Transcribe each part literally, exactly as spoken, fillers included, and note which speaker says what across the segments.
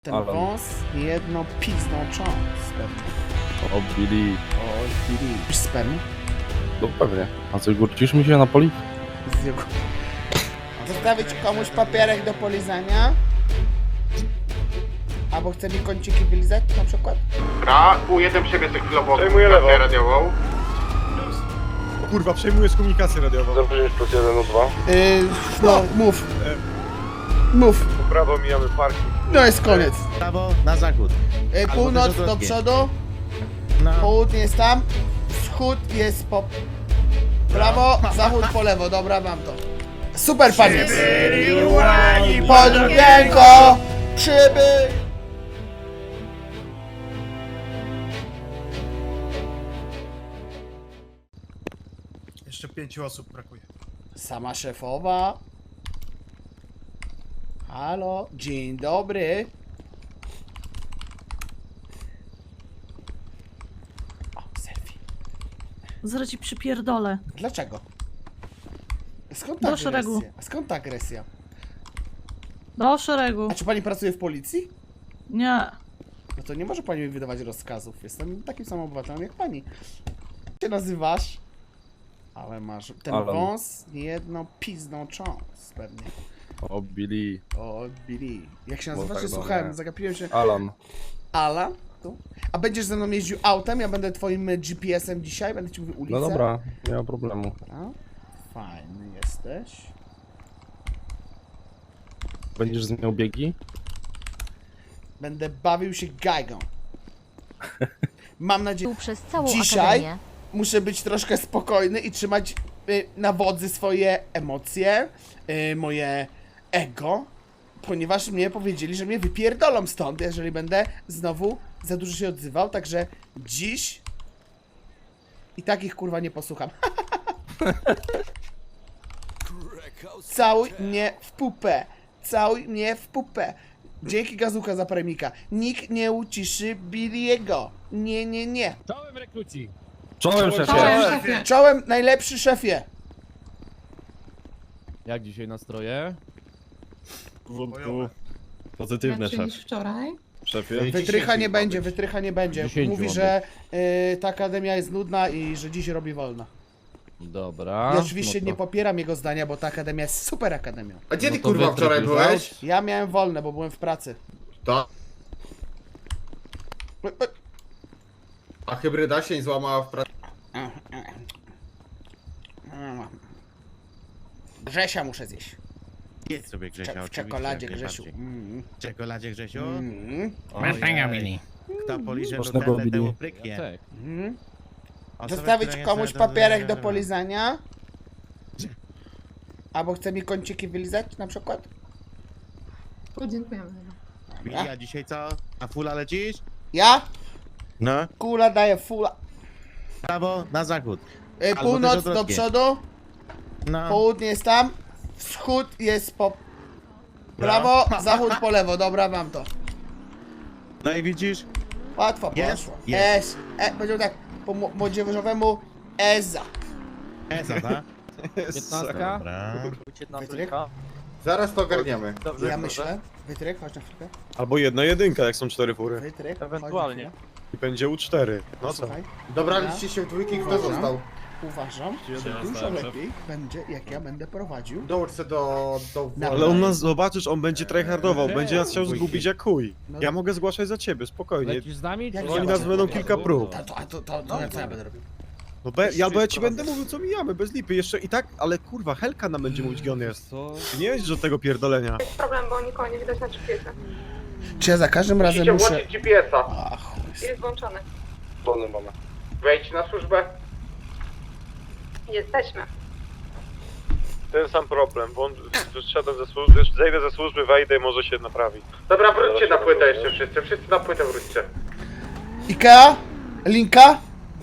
Speaker 1: Ten
Speaker 2: Ale-
Speaker 1: wąs jedno pizną cząst pewnie.
Speaker 2: O, Billy.
Speaker 1: O, Billy. Już sperm?
Speaker 2: No pewnie. A co, górcisz mi się na poli?
Speaker 1: Z jego... Zostawić komuś papierek do polizania? Albo chce mi kąciki wylizać na przykład?
Speaker 3: Dobra, U jeden przebieg chwilowo
Speaker 4: Przejmuję lewo.
Speaker 3: komunikację radiową.
Speaker 4: Kurwa, przejmujesz komunikację radiową.
Speaker 2: zero pięć plus jeden o dwa.
Speaker 1: Yy, no, mów. Mów.
Speaker 4: Po prawo mijamy parking.
Speaker 1: No jest koniec.
Speaker 5: Prawo na zachód.
Speaker 1: Yy,
Speaker 5: Albo
Speaker 1: północ
Speaker 5: też
Speaker 1: do
Speaker 5: odwrotnie.
Speaker 1: przodu,
Speaker 5: Na...
Speaker 1: południe jest tam, wschód jest po prawo, zachód po lewo. Dobra, mam to. Super, panie. Podróżnienko, przybył.
Speaker 4: Jeszcze pięciu osób brakuje.
Speaker 1: Sama szefowa. Halo, dzień dobry. O, selfie.
Speaker 6: Zaraz ci przypierdolę.
Speaker 1: Dlaczego? Skąd ta
Speaker 6: Do szeregu.
Speaker 1: agresja? A skąd ta agresja?
Speaker 6: Do szeregu.
Speaker 1: A czy pani pracuje w policji?
Speaker 6: Nie.
Speaker 1: No to nie może pani mi wydawać rozkazów. Jestem takim samym obywatelem jak pani. Jak się nazywasz? Ale masz ten
Speaker 2: Alan.
Speaker 1: wąs jedną pizną cząst pewnie.
Speaker 2: O, Billy.
Speaker 1: O, Billy. Jak się
Speaker 2: Bo
Speaker 1: nazywasz?
Speaker 2: tak
Speaker 1: Nie słuchałem,
Speaker 2: dobre.
Speaker 1: zagapiłem się.
Speaker 2: Alan.
Speaker 1: Ala? Tu? A będziesz ze mną jeździł autem? Ja będę twoim G P S-em dzisiaj? Będę ci mówił ulicę?
Speaker 2: No dobra, nie ma problemu.
Speaker 1: A? Fajny jesteś.
Speaker 2: Będziesz zmieniał biegi?
Speaker 1: Będę bawił się gajgą. Mam nadzieję...
Speaker 7: Przez całą
Speaker 1: Dzisiaj
Speaker 7: akademię.
Speaker 1: muszę być troszkę spokojny i trzymać y, na wodzy swoje emocje, y, moje ego, ponieważ mnie powiedzieli, że mnie wypierdolą stąd, jeżeli będę znowu za dużo się odzywał, także dziś i takich kurwa nie posłucham. Całuj mnie w pupę, całuj mnie w pupę. Dzięki Gazuka za premika. Nikt nie uciszy Billy'ego. Nie, nie, nie.
Speaker 8: Czołem rekruci!
Speaker 2: Czołem, szefie!
Speaker 6: Czołem.
Speaker 1: Czołem, najlepszy szefie.
Speaker 8: Jak dzisiaj nastroje?
Speaker 4: Bojowe.
Speaker 8: Wątku. Pozytywne, szef.
Speaker 9: wczoraj.
Speaker 8: Szefie?
Speaker 1: Wytrycha nie będzie, wytrycha nie będzie.
Speaker 8: Dziesięciu
Speaker 1: Mówi,
Speaker 8: ma
Speaker 1: że y, ta akademia jest nudna i że dziś robi wolno.
Speaker 8: Dobra.
Speaker 1: Ja oczywiście
Speaker 8: no
Speaker 1: nie
Speaker 8: to-
Speaker 1: popieram jego zdania, bo ta akademia jest super akademią.
Speaker 3: A gdzie ty
Speaker 8: No to
Speaker 3: kurwa
Speaker 8: wytryk
Speaker 3: wczoraj
Speaker 8: już
Speaker 3: byłeś?
Speaker 1: Ja miałem wolne, bo byłem w pracy.
Speaker 3: To. A hybryda się nie złamała w pracy.
Speaker 1: Grzesia muszę zjeść.
Speaker 5: Jedz sobie
Speaker 1: Cze-
Speaker 5: Grzesia,
Speaker 1: w
Speaker 5: oczywiście,
Speaker 1: czekoladzie,
Speaker 5: jak
Speaker 1: Grzesiu.
Speaker 5: najbardziej.
Speaker 1: Mm,
Speaker 5: W czekoladzie Grzesiu?
Speaker 1: mm,
Speaker 8: Ojej.
Speaker 5: Kto poliże do
Speaker 2: Smacznego,
Speaker 5: tyle, temu
Speaker 2: Billy.
Speaker 5: pryknie.
Speaker 8: Jacek.
Speaker 1: mm.
Speaker 5: Osoba,
Speaker 1: Zostawić
Speaker 5: która
Speaker 1: komuś
Speaker 5: jest na-
Speaker 1: papierek do polizania? Albo chce mi kąciki wylizać na przykład?
Speaker 9: Podziękujemy.
Speaker 5: Billy, a dzisiaj co? A fula lecisz?
Speaker 1: Ja?
Speaker 5: No.
Speaker 1: Kula daje fula.
Speaker 5: Prawo na zachód.
Speaker 1: Y,
Speaker 5: Albo
Speaker 1: Północ
Speaker 5: też
Speaker 1: do
Speaker 5: odwrotnie.
Speaker 1: przodu,
Speaker 5: No.
Speaker 1: południe jest tam, wschód jest po prawo, zachód po lewo. Dobra, mam to.
Speaker 5: No i widzisz?
Speaker 1: Łatwo
Speaker 5: Jest?
Speaker 1: poszło.
Speaker 5: Jest.
Speaker 1: Es, e, powiedział tak, po mo- młodzieżowemu Eza.
Speaker 5: Esa, tak?
Speaker 8: Piętnastka?
Speaker 5: Dobra.
Speaker 1: Wytryk?
Speaker 3: Zaraz to ogarniemy.
Speaker 1: Ja myślę. Wytryk, chodź na chwilkę.
Speaker 4: Albo jedna jedynka, jak są cztery fury.
Speaker 1: Wytryk, chodź
Speaker 8: Ewentualnie.
Speaker 1: na chwilę.
Speaker 4: I będzie U cztery. No co?
Speaker 1: Słuchaj,
Speaker 3: Dobra, liczcie się w dwójki, kto
Speaker 1: Uważam.
Speaker 3: został.
Speaker 1: uważam, że dużo lepiej będzie, jak ja będę prowadził.
Speaker 3: Dołóż se do... do
Speaker 1: Na-
Speaker 4: Ale on nas, zobaczysz, on będzie tryhardował, będzie nas chciał zgubić jak chuj.
Speaker 1: No
Speaker 4: Ja mogę zgłaszać za ciebie, spokojnie.
Speaker 8: Lecisz z nami?
Speaker 1: Jak
Speaker 8: czy-
Speaker 1: oni
Speaker 4: nas będą kilka prób.
Speaker 1: To, to, to, to, to, co ja będę robił?
Speaker 4: No be, ja, bo ja ci będę mówił co mijamy, bez lipy. Jeszcze i tak, ale kurwa, Helka nam będzie mówić gdzie on jest.
Speaker 8: Co?
Speaker 4: Ty nie jeździsz od tego pierdolenia.
Speaker 9: Problem, bo nikogo nie widać na G P S-a.
Speaker 1: Czy ja za każdym razem muszę...
Speaker 3: G P S-a.
Speaker 1: Ach, chuj.
Speaker 9: Jest włączony.
Speaker 3: Wejdź na służbę.
Speaker 9: Jesteśmy.
Speaker 4: Ten sam problem, bo on wyszedłem ze służby, zejdę ze służby, wejdę i może się naprawi.
Speaker 3: Dobra, wróćcie na płytę jeszcze wszyscy. Wszyscy na płytę wróćcie.
Speaker 1: Ikea? Linka?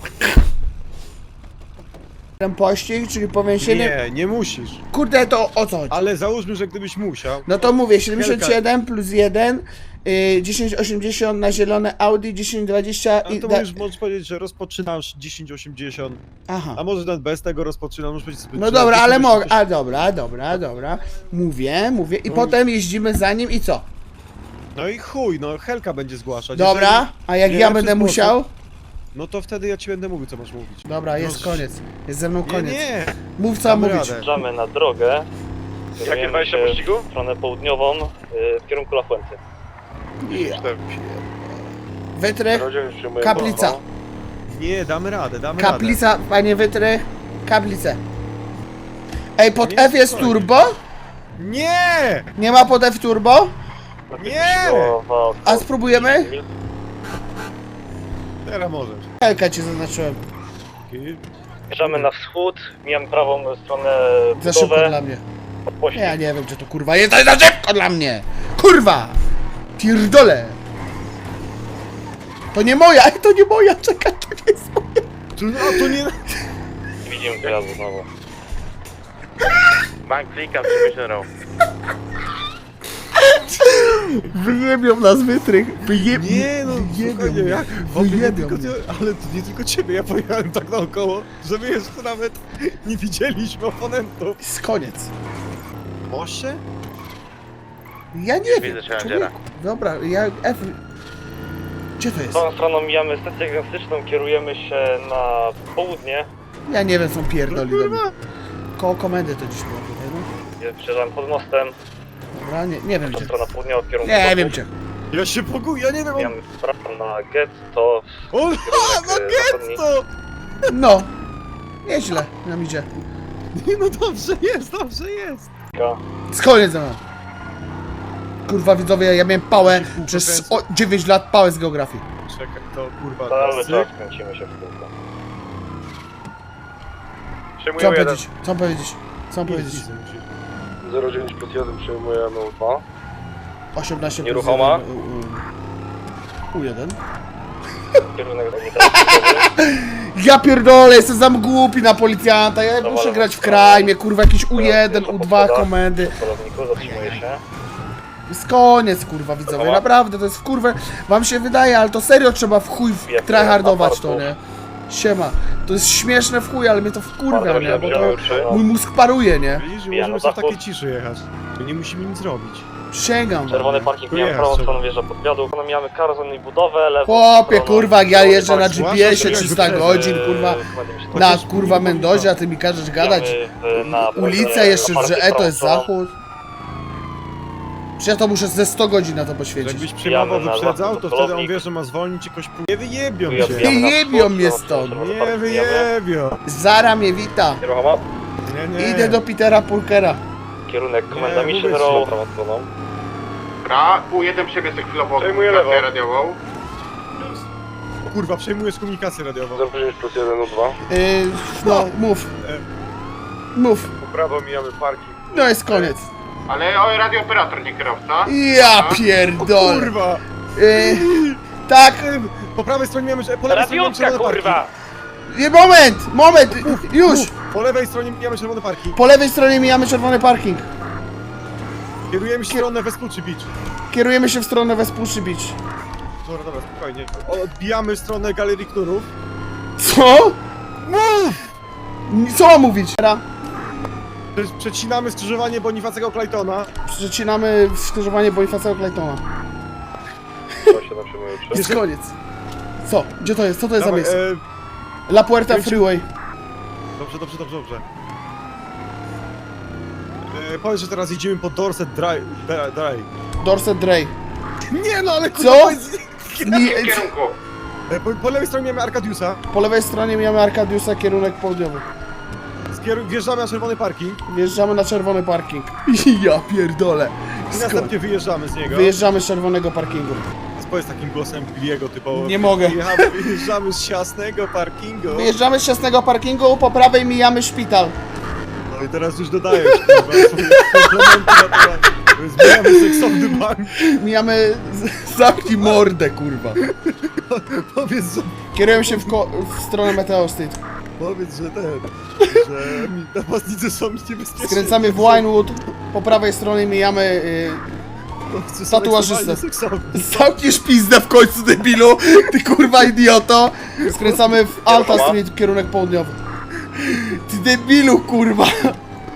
Speaker 1: Ten pościg, czyli powiększenie...
Speaker 4: Nie, nie musisz.
Speaker 1: Kurde, to o co chodzi?
Speaker 4: Ale załóżmy, że gdybyś musiał.
Speaker 1: No to mówię, siedemdziesiąt siedem plus jeden, y, dziesięć osiemdziesiąt na zielone Audi, dziesięć dwadzieścia
Speaker 4: Ale
Speaker 1: i...
Speaker 4: to
Speaker 1: da-
Speaker 4: możesz, możesz powiedzieć, że rozpoczynasz dziesięć osiemdziesiąt,
Speaker 1: Aha.
Speaker 4: a może nawet bez tego rozpoczynam, możesz powiedzieć sobie...
Speaker 1: No
Speaker 4: że
Speaker 1: dobra, ale
Speaker 4: dziesięć
Speaker 1: mogę.
Speaker 4: osiemdziesiąt.
Speaker 1: A dobra, dobra, dobra. Mówię, mówię i potem jeździmy za nim i co?
Speaker 7: No i chuj, no Helka będzie zgłaszać.
Speaker 1: Dobra,
Speaker 7: Jeżeli-
Speaker 1: a jak
Speaker 7: nie
Speaker 1: ja
Speaker 7: lepszy
Speaker 1: będę
Speaker 7: sposób,
Speaker 1: musiał?
Speaker 7: No to wtedy ja ci będę mówił, co masz mówić.
Speaker 1: Dobra, jest
Speaker 7: No,
Speaker 1: koniec. Jest ze mną
Speaker 7: Nie,
Speaker 1: koniec.
Speaker 7: nie.
Speaker 1: Mów co mam
Speaker 7: Damy
Speaker 1: mówić.
Speaker 7: radę.
Speaker 10: Wjeżdżamy na drogę.
Speaker 4: Jakie wejście pościgu?
Speaker 10: W stronę południową, y, w kierunku La Fuente.
Speaker 1: Ja. Wytrych, kaplica.
Speaker 7: Nie, damy radę, damy radę.
Speaker 1: Kaplica, panie Wytrych. Kaplicę. Ej, pod
Speaker 7: Nie,
Speaker 1: F jest
Speaker 7: spokojnie.
Speaker 1: turbo?
Speaker 7: Nie!
Speaker 1: Nie ma pod F turbo?
Speaker 7: Nie!
Speaker 1: A spróbujemy?
Speaker 7: Teraz możesz.
Speaker 1: Helka ci zaznaczyłem.
Speaker 10: Wjeżdżamy na wschód, mijamy prawą stronę
Speaker 1: Za szybko
Speaker 10: budowę.
Speaker 1: dla mnie.
Speaker 10: Podpościg.
Speaker 1: Ja nie wiem, czy to kurwa jest, to jest za szybko dla mnie! Kurwa! Pierdolę! To nie moja, ej, to nie moja, czekaj, to nie jest moja.
Speaker 7: To, a to nie...
Speaker 10: Nie widzimy pojazdu znowu.
Speaker 4: Bank klika, przemyślał.
Speaker 1: Wyjebią nas Wytrych, wyjebią.
Speaker 7: Nie no, spokojnie, jak? Chłopie, nie
Speaker 1: Wyjebią
Speaker 7: tylko
Speaker 1: mnie.
Speaker 7: ty, ale to nie tylko ciebie, ja pojechałem tak naokoło, że my jeszcze nawet nie widzieliśmy oponentów.
Speaker 1: Jest koniec.
Speaker 7: Moście?
Speaker 1: Ja nie wiem,
Speaker 4: Widzę, że
Speaker 1: człowieku. Dobra, ja F... Gdzie to jest?
Speaker 10: Tą stroną mijamy stację diagnostyczną, kierujemy się na południe.
Speaker 1: Ja nie wiem, są pierdoli do mnie. Koło komendy to dziś było tutaj, no.
Speaker 10: Przejeżdżamy pod mostem,
Speaker 1: Dobra, nie, nie wiem
Speaker 10: to
Speaker 1: gdzie.
Speaker 10: strona południowa w kierunku
Speaker 1: Nie
Speaker 10: domu.
Speaker 1: wiem gdzie.
Speaker 7: Ja się poguję, ja nie wiem, on...
Speaker 10: Mijamy w prawo na getto.
Speaker 7: O,
Speaker 10: kierunek,
Speaker 7: no
Speaker 10: e, zachodni.
Speaker 7: getto!
Speaker 1: No. Nieźle nam idzie.
Speaker 7: Nie no dobrze jest, dobrze jest.
Speaker 1: Z koniec ze mną. Kurwa widzowie, ja miałem pałę przez o, dziewięć lat pałę z geografii.
Speaker 7: Czekaj, to kurwa...
Speaker 10: Cały
Speaker 7: cyk.
Speaker 10: czas kręcimy się w kółko.
Speaker 1: Co
Speaker 4: Przyjmuję
Speaker 1: mam
Speaker 4: jeden.
Speaker 1: powiedzieć? Co mam powiedzieć? Co mam powiedzieć?
Speaker 7: Easy, musisz.
Speaker 4: zero dziewięć plus jeden przyjmujemy U dwa.
Speaker 1: osiemnaście
Speaker 4: Nieruchoma?
Speaker 1: plus jeden, U jeden.
Speaker 10: Kierunek komunikacyjny.
Speaker 1: Ja pierdolę, jestem za głupi na policjanta, ja muszę grać w crime, kurwa jakieś U jeden, U dwa komendy.
Speaker 10: W polowniku zatrzymuje się.
Speaker 1: Jest koniec kurwa widzowie, naprawdę to jest w kurwę, wam się wydaje, ale to serio trzeba w chuj w- tryhardować to, nie? Siema, to jest śmieszne w chuj, ale mnie to wkurwia, nie? Bo to mój mózg paruje, nie?
Speaker 7: Widzisz, że
Speaker 10: Ja
Speaker 7: możemy
Speaker 10: na
Speaker 7: sobie w
Speaker 10: zachód.
Speaker 7: takiej ciszy jechać. To nie musimy nic robić.
Speaker 1: Przysięgam
Speaker 10: Czerwony
Speaker 1: wam.
Speaker 10: parking,
Speaker 7: Tu
Speaker 10: mijamy
Speaker 7: jest,
Speaker 10: prawą
Speaker 7: czerwony.
Speaker 10: stronę wjeżdża podwiadu. Mijamy karzon i budowę, lewą
Speaker 1: Chłopie
Speaker 10: stroną
Speaker 1: kurwa, jak ja
Speaker 10: czerwony
Speaker 1: jeżdżę na
Speaker 10: parking.
Speaker 1: G P S-ie
Speaker 7: Zwłaszcza, że
Speaker 1: trzysta
Speaker 7: jakby
Speaker 1: godzin,
Speaker 10: Yy,
Speaker 1: kurwa,
Speaker 10: kładziemy się
Speaker 1: na
Speaker 10: pod-
Speaker 1: kurwa Mendozie, a ty mi każesz gadać.
Speaker 10: Mijamy w- na
Speaker 1: Ulica
Speaker 10: prawej-
Speaker 1: jeszcze,
Speaker 10: na
Speaker 1: że
Speaker 10: parking
Speaker 1: e to jest
Speaker 10: prawą
Speaker 1: zachód. Przecież ja to muszę ze sto godzin na to
Speaker 7: Że
Speaker 1: poświęcić.
Speaker 7: Jakbyś przyjmował,
Speaker 10: Wbijamy na
Speaker 7: wyprzedzał,
Speaker 10: zachód
Speaker 7: to
Speaker 10: do
Speaker 7: wtedy on
Speaker 10: polownik.
Speaker 7: wie, że ma zwolnić i kogoś... Nie wyjebią
Speaker 10: Tu
Speaker 7: cię.
Speaker 10: wbijamy na
Speaker 1: Jebią
Speaker 10: wschód,
Speaker 1: mnie
Speaker 10: stronę
Speaker 1: stąd.
Speaker 10: czerwony
Speaker 7: Nie
Speaker 10: parking mijamy.
Speaker 7: wyjebią.
Speaker 1: Zara mnie wita.
Speaker 4: Nieruchoma?
Speaker 7: Nie, nie.
Speaker 1: Idę do Petera Pulkera.
Speaker 10: Kierunek komenda
Speaker 7: Nie,
Speaker 10: Mission
Speaker 7: mówię ci.
Speaker 10: Row, prawą stroną.
Speaker 3: Dobra, U jeden przebiegł chwilowo
Speaker 4: Przejmuję
Speaker 3: komunikację
Speaker 4: lewo.
Speaker 3: radiową.
Speaker 7: Kurwa, przejmujesz komunikację radiową.
Speaker 4: zero dziewięć plus jeden U dwa.
Speaker 1: Yy, no, mów. Mów.
Speaker 4: Po prawo mijamy parking.
Speaker 1: No jest koniec.
Speaker 3: Ale o, radiooperator, nie kierowca.
Speaker 1: Ja pierdolę.
Speaker 7: Kurwa!
Speaker 1: Yy, tak.
Speaker 7: Po prawej stronie mamy... Po lewej stronie mamy
Speaker 10: Radiówka,
Speaker 7: czerwony
Speaker 10: kurwa!
Speaker 7: parking.
Speaker 1: Nie, moment, moment, już.
Speaker 7: Po lewej stronie mijamy czerwony parking.
Speaker 1: Po lewej stronie mijamy czerwony parking.
Speaker 7: Kierujemy się w stronę Vespucci Beach.
Speaker 1: Kierujemy się w stronę Vespucci Beach.
Speaker 7: Dobra, dobra, spokojnie. Odbijamy w stronę Galerii Knurów.
Speaker 1: Co? Mów! Co mam mówić? Teraz
Speaker 7: Prze- Przecinamy skrzyżowanie Bonifacego Claytona.
Speaker 1: przecinamy skrzyżowanie Bonifacego Claytona.
Speaker 4: zero siedem przyjmuje trzy.
Speaker 1: Jest koniec. Co? Gdzie to jest? Co to jest za
Speaker 7: Dawaj,
Speaker 1: miejsce?
Speaker 7: e,
Speaker 1: La Puerta
Speaker 7: kręci-
Speaker 1: Freeway.
Speaker 7: Dobrze, dobrze, dobrze, dobrze. E, powiedz, że teraz jedziemy po Dorset Drive. Dra- Drive.
Speaker 1: Dorset Dray.
Speaker 7: Nie no, ale
Speaker 1: Co?
Speaker 7: kurwa, powiedz-
Speaker 1: Nie,
Speaker 3: W kierunku.
Speaker 7: E, po, po lewej stronie mamy Arkadiusa.
Speaker 1: po lewej stronie mijamy Arkadiusa, kierunek południowy.
Speaker 7: Skier- wjeżdżamy na czerwony parking.
Speaker 1: Wjeżdżamy na czerwony parking. Ja pierdolę.
Speaker 7: I
Speaker 1: Sko-
Speaker 7: następnie wyjeżdżamy z niego.
Speaker 1: Wyjeżdżamy z czerwonego parkingu.
Speaker 7: Powiedz takim głosem Billiego typowo.
Speaker 1: Nie mogę.
Speaker 7: Wyjechamy, wyjeżdżamy z ciasnego parkingu.
Speaker 1: Wyjeżdżamy z ciasnego parkingu, po prawej mijamy szpital.
Speaker 7: No i teraz już dodajesz, kurwa, swoje komplementy na temat. Zmieniamy seksowny bank.
Speaker 1: Mijamy... z- Zamknij mordę, kurwa.
Speaker 7: Powiedz, że,
Speaker 1: Kierujemy się w, ko- w stronę Meteo State.
Speaker 7: powiedz, że ten, że mi napastnicy są niebezpieczni.
Speaker 1: Skręcamy w Winewood. Po prawej stronie mijamy... Yy,
Speaker 7: Są
Speaker 1: tatuażystę.
Speaker 7: ekstremalnie seksowni.
Speaker 1: Zamkniesz pizdę w końcu, debilu! Ty kurwa idioto! Skręcamy w Alta Street, kierunek południowy. Ty debilu, kurwa!
Speaker 7: Mów.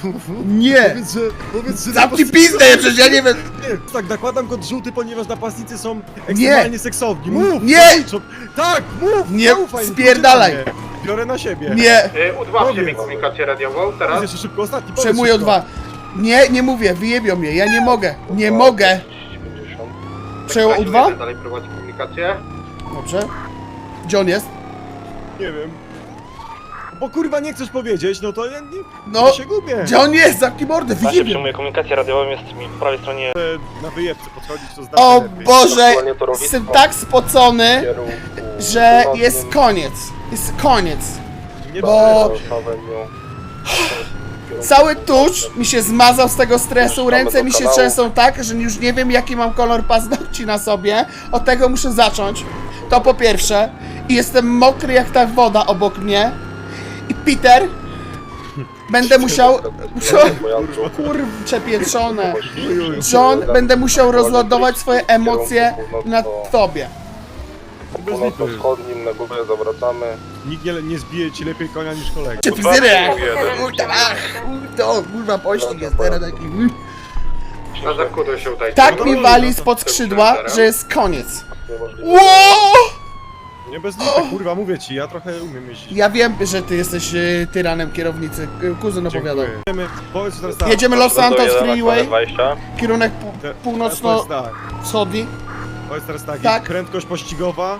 Speaker 1: Nie!
Speaker 7: Powiedz, że... Powiedz, że
Speaker 1: Zamknij
Speaker 7: napastnicy
Speaker 1: pizdę,
Speaker 7: są-
Speaker 1: przecież ja nie wiem!
Speaker 7: Nie, tak, nakładam kod żółty, ponieważ napastnicy są ekstremalnie seksowni. Mów!
Speaker 1: Nie!
Speaker 7: zaliczo- Tak, mów!
Speaker 1: Nie,
Speaker 7: zaufaj mi,
Speaker 1: spierdalaj.
Speaker 7: poczekaj mnie. Biorę na siebie.
Speaker 1: Nie!
Speaker 3: Udławcie mi komunikację radiową
Speaker 7: Powiedz
Speaker 3: teraz.
Speaker 7: jeszcze szybko, ostatni, powiedz
Speaker 1: Przemuję
Speaker 7: szybko.
Speaker 1: dwa. Nie, nie mówię, wyjebią mnie, ja nie mogę. Nie mogę! Przejął U dwa?
Speaker 3: Dalej prowadzi komunikację.
Speaker 1: Dobrze. Gdzie on jest?
Speaker 7: Nie wiem. Bo kurwa nie chcesz powiedzieć, no to ja nie...
Speaker 1: No,
Speaker 7: ja się gubię.
Speaker 1: Gdzie on jest? Zamknij mordę,
Speaker 10: Właśnie
Speaker 1: wyjebią!
Speaker 10: przyjmuję komunikację radiową, jest mi po prawej stronie
Speaker 7: Na wyjebce podchodzić, to znaczy
Speaker 1: O
Speaker 7: lepiej.
Speaker 1: Boże! Jestem tak spocony, że jest koniec. Jest koniec.
Speaker 7: Nie
Speaker 1: bo-
Speaker 7: przyznaj się.
Speaker 1: Cały tusz mi się zmazał z tego stresu, ręce mi się trzęsą tak, że już nie wiem jaki mam kolor paznokci na sobie. Od tego muszę zacząć. To po pierwsze. I jestem mokry jak ta woda obok mnie. I Peter... Będę musiał... Kurcze pieczone. John, będę musiał rozładować swoje emocje na tobie.
Speaker 7: Bez lipy.
Speaker 4: na górę zawracamy.
Speaker 7: Nikt nie, nie zbije ci lepiej konia niż kolega.
Speaker 1: Czy fryzjerek? To kurwa pościg jest teraz taki...
Speaker 3: Na zakutę się tutaj.
Speaker 1: Tak mi wali spod skrzydła, że jest koniec. Ło!
Speaker 7: Nie bez lipy, kurwa, mówię ci, ja trochę umiem jeździć.
Speaker 1: Ja wiem, że ty jesteś y, tyranem kierownicy. Y, Kuzyn opowiadał.
Speaker 7: Dziękuję. Jedziemy, powiedz teraz tak.
Speaker 1: Jedziemy Los Santos Freeway,
Speaker 4: dwadzieścia.
Speaker 1: kierunek
Speaker 7: Te-
Speaker 1: pu-
Speaker 7: teraz
Speaker 1: północno-wschodni.
Speaker 7: Powiedz tak, powiedz teraz tak,
Speaker 1: Tak.
Speaker 7: prędkość pościgowa.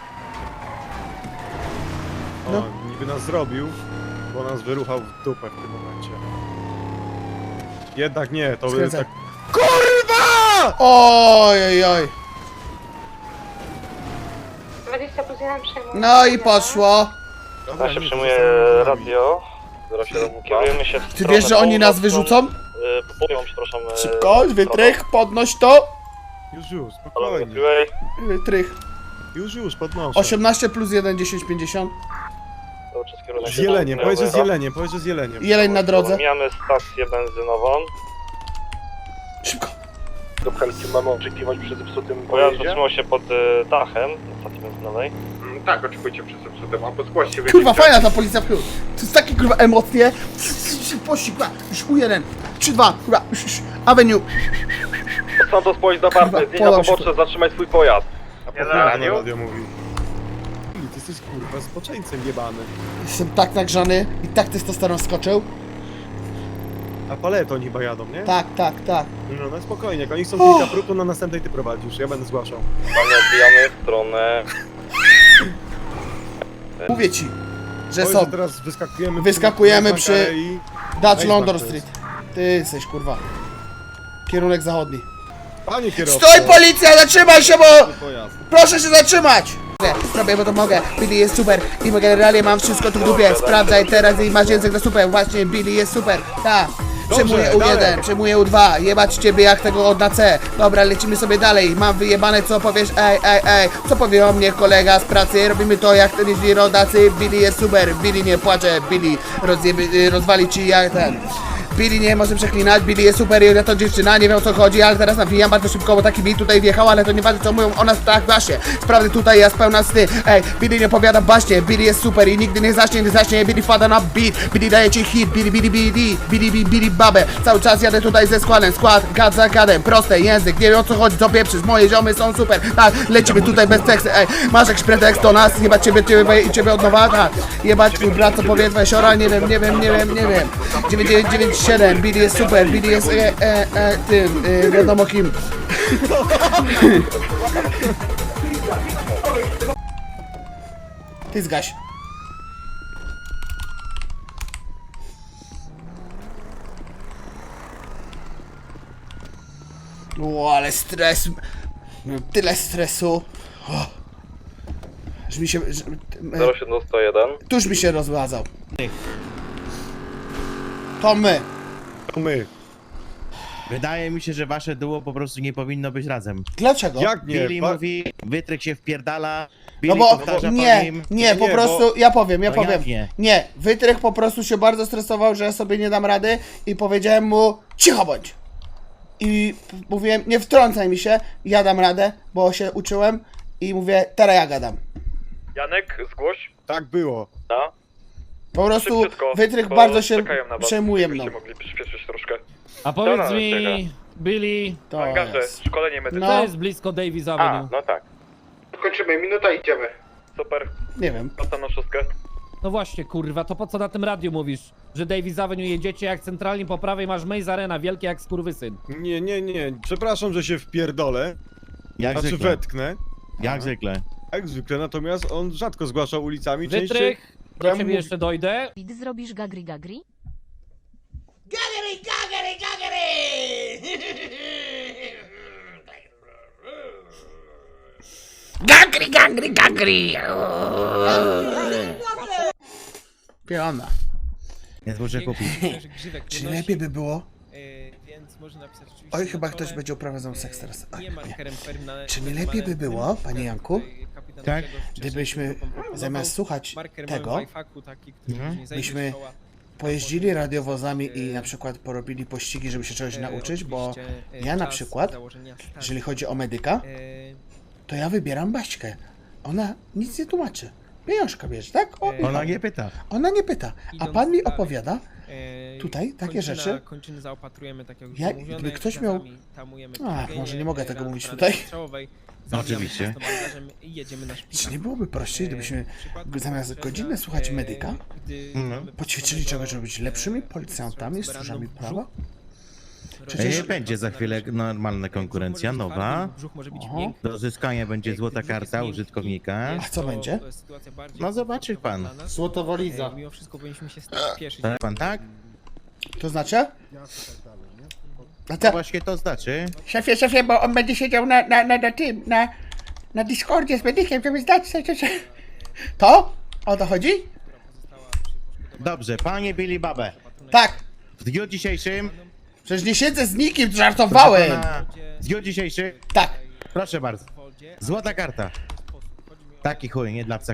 Speaker 7: O,
Speaker 1: No.
Speaker 7: niby nas zrobił, bo nas wyruchał w dupę w tym momencie. Jednak nie, to by
Speaker 1: Skręcaj.
Speaker 7: tak... KURWA!
Speaker 1: Oj, oj, oj.
Speaker 9: dwadzieścia plus jeden przejmuję.
Speaker 1: No i poszło.
Speaker 7: Dobra,
Speaker 10: Ja się
Speaker 7: nic,
Speaker 10: przyjmuje
Speaker 7: zostałem
Speaker 10: radio.
Speaker 4: zero siedem
Speaker 10: Kierujemy się w
Speaker 1: Ty
Speaker 10: stronę
Speaker 1: wiesz, że oni nas
Speaker 10: północną.
Speaker 1: wyrzucą?
Speaker 10: Y, Południową, przepraszam. y,
Speaker 1: Szybko,
Speaker 10: stroną.
Speaker 1: wytrych, podnoś to.
Speaker 7: Już, już,
Speaker 10: Halo,
Speaker 7: spokojnie.
Speaker 10: Freeway.
Speaker 1: Wytrych.
Speaker 7: Już, już, podnoszę.
Speaker 1: osiemnaście plus jeden, dziesięć pięćdziesiąt.
Speaker 10: Cały czas kierunek
Speaker 7: Z jeleniem,
Speaker 10: południowy.
Speaker 7: powiedz, że z jeleniem, powiedz, że z jeleniem.
Speaker 1: Jeleń na drodze.
Speaker 10: Mijamy stację benzynową.
Speaker 1: Szybko.
Speaker 4: Do Helki mamy oczekiwać przy zepsutym
Speaker 10: Pojazd
Speaker 4: pojeździe?
Speaker 10: zatrzymał się pod y, dachem na stacji benzynowej.
Speaker 3: Mm, Tak, oczekujcie przed zepsutem, a podgłoście
Speaker 1: Kurwa, fajna ta policja w chuj. To jest takie kurwa emocje. Pościg, kurwa, już U jeden, trzy dwa, kurwa, już, już, Avenue.
Speaker 4: Santos pojedź na
Speaker 1: Kurwa,
Speaker 4: partner, zjedź na
Speaker 1: podam się
Speaker 4: pobocze, zatrzymaj swój pojazd.
Speaker 7: A po
Speaker 3: Ja
Speaker 7: chuj
Speaker 3: na
Speaker 7: to
Speaker 3: radio?
Speaker 7: radio mówi. Ty jesteś kurwa spoczeńcem jebany.
Speaker 1: Jestem tak nagrzany i tak testosteron skoczył.
Speaker 7: A paleton chyba jadą, nie?
Speaker 1: Tak, tak, tak.
Speaker 7: No, no spokojnie, jak oni chcą kilka prób, to na następnej ty prowadzisz, ja będę zgłaszał.
Speaker 10: Panie, odbijamy w stronę...
Speaker 1: Mówię ci, że
Speaker 7: Powiedz,
Speaker 1: są.
Speaker 7: teraz wyskakujemy...
Speaker 1: Wyskakujemy
Speaker 7: na
Speaker 1: przy-
Speaker 7: Mankarę i...
Speaker 1: Dutch
Speaker 7: Nice
Speaker 1: London
Speaker 7: back to
Speaker 1: Street. Ty jesteś, kurwa. Kierunek zachodni.
Speaker 7: Panie kierowco!
Speaker 1: Stój, policja, zatrzymaj się, bo...
Speaker 7: Pojazd.
Speaker 1: Proszę się zatrzymać! Robię, bo to mogę. Billy jest super. I generalnie mam wszystko tu w dupie. Sprawdzaj teraz i masz język na super. Właśnie, Billy jest super. Tak. Przejmuję U jeden,
Speaker 7: dalej.
Speaker 1: przejmuję U dwa. Jebać ciebie jak tego od na C. Dobra, lecimy sobie dalej. Mam wyjebane, co powiesz? Ej, ej, ej. Co powie o mnie kolega z pracy? Robimy to jak ten jeździ rodacy. Billy jest super. Billy nie płacze. Billy rozjeby, rozwali ci jak ten. Billy nie może przeklinać, Billy jest super i to dziewczyna, nie wiem o co chodzi, ale teraz nawijam bardzo szybko, bo taki beat tutaj wjechał, ale to nieważne co mówią o nas, tak właśnie. Sprawdy tutaj jest pełna sny. Ej, Billy nie opowiada baśnie, Billy jest super i nigdy nie zacznie, nie zacznie, Billy wpada na beat, Billy daje ci hit, Billy, Billy, Billy, Billy, Billy, Billy, babę. Cały czas jadę tutaj ze składem, skład, gad za gadem, proste, język, nie wiem o co chodzi, co pieprzysz, moje ziomy są super, tak, lecimy tutaj bez tekstu, ej, masz jakiś pretekst do nas, jebać ciebie, ciebie i ciebie od nowa, tak, jebać twój brat, co powie twoja siora, nie wiem, nie wiem, nie wiem, nie wiem, dziewięć dziewięć dziewięć siedem, Billy jest super, Billy jest e, e, e, tym, e, wiadomo kim. Ty zgaś. O, ale stres. Miałem tyle stresu. O. Że mi się. Że, e,
Speaker 10: zero siedem sto jeden.
Speaker 1: tuż mi się rozładzał. To my.
Speaker 7: To my.
Speaker 5: Wydaje mi się, że wasze duo po prostu nie powinno być razem.
Speaker 1: Dlaczego?
Speaker 7: Jak nie?
Speaker 5: Billy
Speaker 7: Pa-
Speaker 5: mówi, wytryk się wpierdala,
Speaker 1: No
Speaker 5: Billy
Speaker 1: bo
Speaker 5: powtarza po
Speaker 1: nie,
Speaker 5: nim.
Speaker 1: nie, po
Speaker 7: Nie,
Speaker 1: prostu, ja powiem, ja
Speaker 5: No
Speaker 1: powiem.
Speaker 5: jak nie?
Speaker 1: Nie, Wytrych po prostu się bardzo stresował, że ja sobie nie dam rady i powiedziałem mu, cicho bądź. I p- mówiłem, nie wtrącaj mi się, ja dam radę, bo się uczyłem i mówię, teraz ja gadam.
Speaker 10: Janek, zgłoś.
Speaker 7: Tak było.
Speaker 10: Na.
Speaker 1: Po prostu
Speaker 10: Szybciutko,
Speaker 1: wytrych
Speaker 10: bo
Speaker 1: bardzo się
Speaker 10: czekają na was.
Speaker 1: przejmuje mną.
Speaker 10: Byście mogli przyspieszyć troszkę.
Speaker 8: A powiedz
Speaker 10: Dobra,
Speaker 8: mi, Billy,
Speaker 1: To
Speaker 10: Hangarze,
Speaker 1: jest.
Speaker 10: szkolenie medyczne.
Speaker 1: No.
Speaker 8: to jest blisko Davis Avenue.
Speaker 10: no tak.
Speaker 3: Kończymy, minuta idziemy.
Speaker 10: Super,
Speaker 1: Nie wiem.
Speaker 10: prosto na szóstkę.
Speaker 8: No właśnie, kurwa, to po co na tym radiu mówisz? Że Davis Avenue jedziecie jak centralnie po prawej masz Maze Arena, wielkie jak skurwysyn.
Speaker 7: Nie, nie, nie. Przepraszam, że się wpierdolę.
Speaker 5: Jak
Speaker 7: Znaczy
Speaker 5: zwykle.
Speaker 7: wetknę.
Speaker 5: Jak zwykle.
Speaker 7: Jak zwykle, natomiast on rzadko zgłasza ulicami. Częściej...
Speaker 8: Wytrych, do
Speaker 1: Ja
Speaker 8: ciebie
Speaker 1: mówię-
Speaker 8: jeszcze dojdę.
Speaker 11: Pit zrobisz gagri gagri?
Speaker 1: Gagri, gagri, gagri! Piona.
Speaker 5: Więc muszę kupić.
Speaker 1: Czy lepiej by było?
Speaker 12: Więc można napisać oczywiście
Speaker 1: Oj,
Speaker 12: na
Speaker 1: chyba
Speaker 12: czole,
Speaker 1: ktoś będzie uprawiał seks teraz. Oj,
Speaker 12: nie
Speaker 1: nie.
Speaker 12: markerem permane-
Speaker 1: Czy nie lepiej by było, panie Janku,
Speaker 12: kapitan
Speaker 5: Tak?
Speaker 12: Grzegorz wcześniej
Speaker 1: gdybyśmy
Speaker 12: proponował
Speaker 1: zamiast słuchać
Speaker 12: marker
Speaker 1: tego,
Speaker 12: mamy w iFaku taki, który
Speaker 5: Mhm.
Speaker 12: później zajdzie
Speaker 1: byśmy
Speaker 12: z czoła.
Speaker 1: pojeździli radiowozami i na przykład porobili pościgi, żeby się czegoś
Speaker 12: E,
Speaker 1: nauczyć, bo
Speaker 12: oczywiście, e,
Speaker 1: ja na
Speaker 12: czas
Speaker 1: przykład,
Speaker 12: założenia startu.
Speaker 1: jeżeli chodzi o medyka,
Speaker 12: E,
Speaker 1: to ja wybieram Baśkę. Ona nic nie tłumaczy. Pieniążka bierze, tak? O,
Speaker 12: E,
Speaker 5: Ona nie pyta.
Speaker 1: ona nie pyta. A
Speaker 12: idąc
Speaker 1: pan mi
Speaker 12: dalej,
Speaker 1: opowiada,
Speaker 12: e,
Speaker 1: tutaj takie
Speaker 12: kończyna-
Speaker 1: rzeczy.
Speaker 12: Kończyny zaopatrujemy, tak jak już
Speaker 1: Ja-
Speaker 12: mówione,
Speaker 1: gdyby ktoś miał-
Speaker 12: gazami tamujemy
Speaker 1: Ach,
Speaker 12: krwawienie,
Speaker 1: może nie mogę tego
Speaker 12: rany
Speaker 1: mówić
Speaker 12: rany
Speaker 1: tutaj.
Speaker 12: strzałowej,
Speaker 5: Oczywiście.
Speaker 12: zabijamy prosto bandażem i jedziemy na szpital.
Speaker 1: Czy nie byłoby prościej, gdybyśmy zamiast godziny słuchać medyka,
Speaker 5: No.
Speaker 1: poćwiczyli czegoś, żeby być lepszymi policjantami, stróżami prawa?
Speaker 5: Przecież
Speaker 1: Przecież-
Speaker 5: będzie za chwilę normalna konkurencja, nowa.
Speaker 1: Oho.
Speaker 5: Do uzyskania będzie złota karta użytkownika.
Speaker 1: A co będzie?
Speaker 5: No zobaczy pan.
Speaker 1: Złotowoliza.
Speaker 12: Mimo wszystko powinniśmy się spieszyć.
Speaker 5: Tak pan tak?
Speaker 1: To znaczy? A
Speaker 5: To
Speaker 1: te,
Speaker 5: właśnie to znaczy.
Speaker 1: szefie, szefie, bo on będzie siedział na, na, na, na tym, na, na Discordzie z medykiem, żeby zdać się, się, się. To? O to chodzi?
Speaker 5: Dobrze, panie Billy Babę.
Speaker 1: Tak.
Speaker 5: W dniu dzisiejszym.
Speaker 1: Przecież nie siedzę z nikim, żartowałem.
Speaker 5: proszę pana, W dniu dzisiejszym.
Speaker 1: Tak.
Speaker 5: Proszę bardzo. Złota karta. Taki chuj, nie dla psa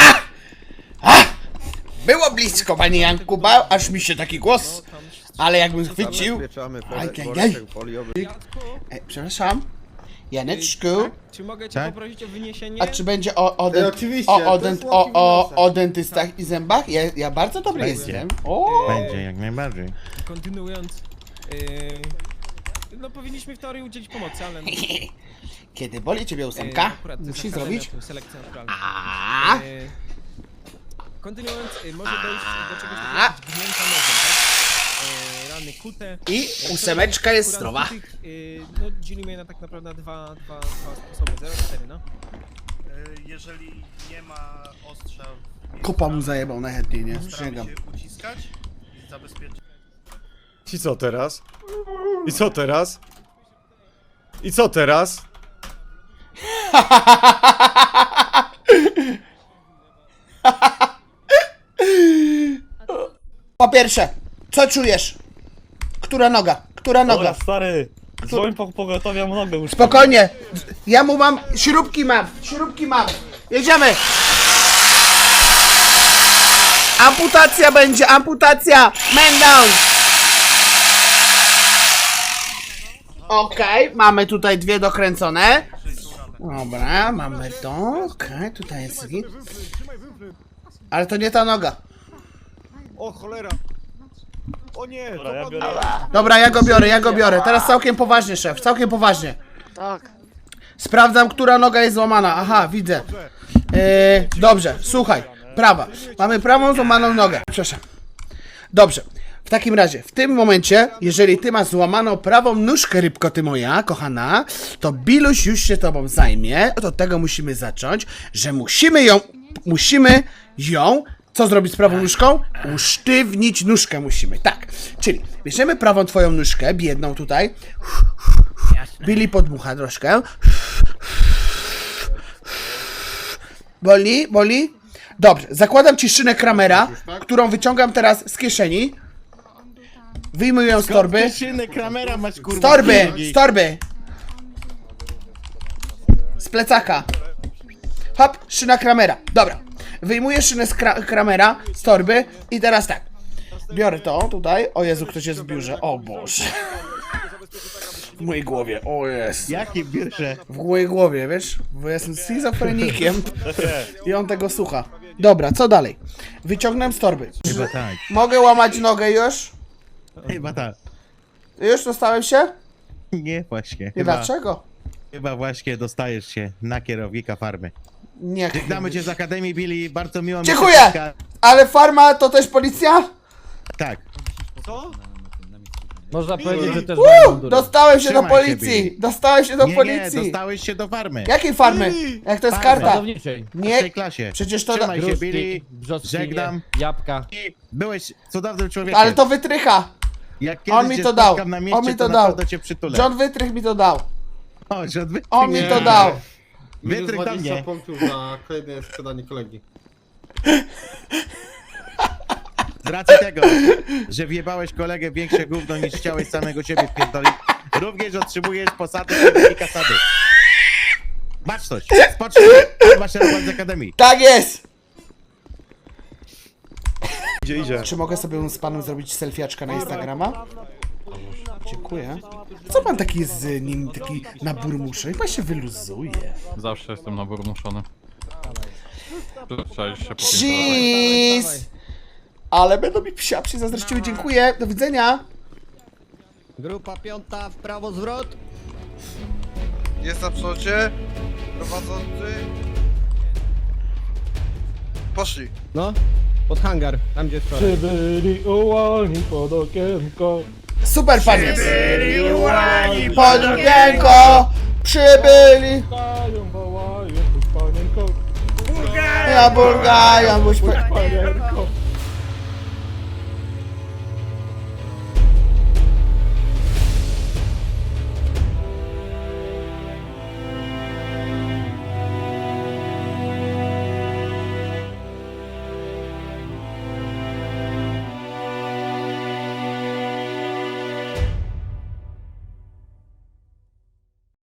Speaker 1: Było blisko, panie Janku, bał, aż mi się taki głos. Ale jakbym chwycił...
Speaker 3: Zabezpieczamy
Speaker 1: Aj,
Speaker 3: worek-
Speaker 1: aj,
Speaker 3: worek
Speaker 1: aj.
Speaker 3: foliowy.
Speaker 1: E, przepraszam. Janeczku.
Speaker 12: Czy mogę cię
Speaker 5: Tak?
Speaker 12: poprosić o wyniesienie?
Speaker 1: A czy będzie o, o,
Speaker 3: E,
Speaker 1: dent,
Speaker 3: oczywiście,
Speaker 1: o,
Speaker 3: to
Speaker 1: o,
Speaker 3: jest
Speaker 1: dent,
Speaker 3: łapki
Speaker 1: o, o,
Speaker 3: w
Speaker 1: o dentystach i zębach? Ja, ja bardzo dobry
Speaker 5: Będzie.
Speaker 1: jestem. O!
Speaker 5: Będzie, jak najbardziej.
Speaker 12: Kontynuując, yy, no powinniśmy w teorii udzielić pomocy, ale... No,
Speaker 1: Kiedy boli ciebie
Speaker 12: yy,
Speaker 1: ósemka,
Speaker 12: akurat
Speaker 1: musi
Speaker 12: zakazane
Speaker 1: zrobić...
Speaker 12: tą selekcję naturalną.
Speaker 1: A.
Speaker 12: Yy, kontynuując, yy, może dojść do czegoś
Speaker 1: A.
Speaker 12: takiego jak gnięta nogą, tak? Yy, rany kute.
Speaker 1: I
Speaker 12: Yy,
Speaker 1: ósemeczka jest
Speaker 12: akurat
Speaker 1: zdrowa.
Speaker 12: Tych, yy, no dzielimy je na tak naprawdę dwa, dwa, dwa sposoby, zero cztery, no.
Speaker 13: Jeżeli nie ma ostrza w
Speaker 1: Kopa mu zajebał najchętniej, nie?
Speaker 13: staramy
Speaker 1: Przysięgam.
Speaker 13: się uciskać i zabezpieczyć.
Speaker 7: I co teraz? I co teraz? I co teraz?
Speaker 1: Po pierwsze, co czujesz? Która noga? Która noga?
Speaker 13: Dobra, stary, dzwoń po pogotowia mu nogę już.
Speaker 1: Spokojnie. Ja mu mam... Śrubki mam. Śrubki mam. Jedziemy. Amputacja będzie. Amputacja. Man down. Okej, mamy tutaj dwie dokręcone. Dobra, mamy to. Okej, tutaj jest... git. Ale to nie ta noga.
Speaker 7: O cholera! O nie!
Speaker 13: Dobra, ja
Speaker 7: to
Speaker 13: biorę.
Speaker 1: Dobra, ja go biorę, ja go biorę. Teraz całkiem poważnie, szef, całkiem poważnie.
Speaker 3: Tak.
Speaker 1: Sprawdzam, która noga jest złamana. Aha, widzę. Eee, dobrze, słuchaj. Prawa. Mamy prawą złamaną nogę. Przepraszam. Dobrze. W takim razie, w tym momencie, jeżeli ty masz złamaną prawą nóżkę, rybko ty moja, kochana, to Biluś już się tobą zajmie. Od tego musimy zacząć, że musimy ją, musimy ją, co zrobić z prawą nóżką? Usztywnić nóżkę musimy, tak. Czyli bierzemy prawą twoją nóżkę, biedną tutaj. Billy podmucha troszkę. Boli? Boli? Dobrze, zakładam ci szynę Kramera, którą wyciągam teraz z kieszeni. Wyjmuję ją z torby.
Speaker 5: Szynę Kramera masz kurwa.
Speaker 1: Z torby! Z torby! Z plecaka. Hop, szyna Kramera. Dobra. Wyjmuję szynę z kra Kramera z torby i teraz tak. Biorę to tutaj. O Jezu, ktoś jest w biurze. O Boże. W mojej głowie, o jest.
Speaker 5: Jakie biurze?
Speaker 1: W mojej głowie, wiesz? Bo ja jestem schizofrenikiem i on tego słucha. Dobra, co dalej? Wyciągnąłem z torby.
Speaker 5: Chyba tak.
Speaker 1: Mogę łamać nogę już?
Speaker 5: Chyba tak.
Speaker 1: Już dostałem się?
Speaker 5: Nie, właśnie.
Speaker 1: I
Speaker 5: Chyba,
Speaker 1: dlaczego?
Speaker 5: chyba właśnie dostajesz się na kierownika farmy.
Speaker 1: Nie.
Speaker 5: Żegnamy cię z Akademii, Billy. Bardzo miło mi się
Speaker 1: Dziękuję!
Speaker 5: spotkać.
Speaker 1: Ale farma to też policja?
Speaker 5: Tak.
Speaker 13: Co?
Speaker 8: Można powiedzieć, że też
Speaker 1: Uuu,
Speaker 8: mają mundury.
Speaker 1: dostałem się do
Speaker 5: Trzymaj się,
Speaker 1: policji!
Speaker 5: Billy.
Speaker 1: Dostałem się do
Speaker 5: Nie, nie,
Speaker 1: policji!
Speaker 5: dostałeś się do farmy.
Speaker 1: Jakiej farmy? Jak to jest
Speaker 5: Farmy.
Speaker 1: karta?
Speaker 8: Pracowniczej.
Speaker 5: W
Speaker 1: Nie,
Speaker 5: tej klasie.
Speaker 1: przecież to...
Speaker 5: Trzymaj się,
Speaker 8: Gruszki,
Speaker 5: Billy.
Speaker 8: brzoskwinie,
Speaker 5: Żegnam.
Speaker 8: jabłka.
Speaker 5: I byłeś cudownym człowiekiem.
Speaker 1: Ale to wytrycha!
Speaker 5: Jak kiedyś
Speaker 1: On mi
Speaker 5: cię
Speaker 1: to dał.
Speaker 5: spotkam na mieście,
Speaker 1: On mi to
Speaker 5: na
Speaker 1: dał.
Speaker 5: pewno cię przytulę.
Speaker 1: John Wytrych mi to dał.
Speaker 5: O, John Wytrych.
Speaker 1: On mi
Speaker 5: Nie.
Speaker 1: to dał.
Speaker 3: Minus
Speaker 5: Wytrych do
Speaker 3: dwadzieścia
Speaker 5: mnie.
Speaker 3: punktów za kolejne sprzedanie kolegi.
Speaker 5: Z racji tego, że wjebałeś kolegę w większe gówno niż chciałeś samego siebie pierdolić, również otrzymujesz posady i kasady. Baczność, spocznij, masz szerokość z Akademii.
Speaker 1: Tak jest!
Speaker 7: Idzie, idzie.
Speaker 1: Czy mogę sobie z panem zrobić selfiaczka na Instagrama? Dziękuję. Co pan taki jest z nim, taki na burmusze? Pan się wyluzuje.
Speaker 2: Zawsze jestem naburmuszony. Przyzwyczaisz się po
Speaker 1: Cheese! Ale będą mi psiapsi zazdrościły. Dziękuję. Do widzenia.
Speaker 12: Grupa piąta, w prawo zwrot.
Speaker 13: Jest na przodzie. Prowadzący. Poszli.
Speaker 12: No, pod hangar, tam gdzie wczoraj.
Speaker 8: Przybyli ułani pod okienko.
Speaker 1: Super panie. Pod okienko przybyli.
Speaker 8: Wołają, wołają, tu panienko.
Speaker 1: Ja burgają, buź...
Speaker 8: Panienko.